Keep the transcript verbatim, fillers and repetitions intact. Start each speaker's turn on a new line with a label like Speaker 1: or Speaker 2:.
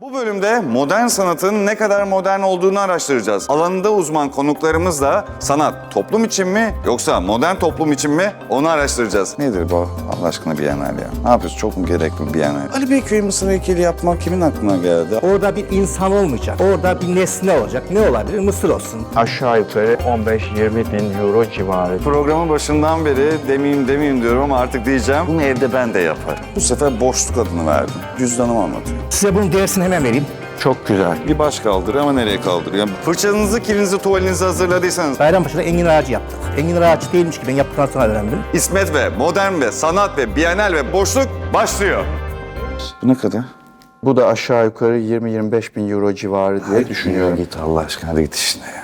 Speaker 1: Bu bölümde modern sanatın ne kadar modern olduğunu araştıracağız. Alanında uzman konuklarımızla sanat toplum için mi yoksa modern toplum için mi onu araştıracağız. Nedir bu Allah aşkına Bienal ya? Ne yapıyorsun? Çok mu gerekli Bienal? Ali Beyköy Mısır heykeli yapmak kimin aklına geldi?
Speaker 2: Orada bir insan olmayacak. Orada bir nesne olacak. Ne olabilir? Mısır olsun.
Speaker 3: Aşağı yukarı on beş yirmi bin euro civarı.
Speaker 1: Programın başından beri demeyeyim demeyeyim diyorum ama artık diyeceğim. Bunu evde ben de yaparım. Bu sefer boşluk adını verdim. Cüzdanımı anlatıyor.
Speaker 2: Size bunun dersini hemen vereyim.
Speaker 3: Çok güzel.
Speaker 1: Bir baş kaldırıyor ama nereye kaldırıyor? Fırçanızı, kilinizi, tuvalinizi hazırladıysanız
Speaker 2: Bayrampaşa'da engin ağacı yaptık. Engin ağacı değilmiş ki ben yaptıktan sonra öğrendim.
Speaker 1: İsmet ve modern ve sanat ve Bienal ve boşluk başlıyor. Bu ne kadar?
Speaker 3: Bu da aşağı yukarı yirmi yirmi beş bin euro civarı diye düşünüyorum.
Speaker 1: Git Allah aşkına hadi git işine ya.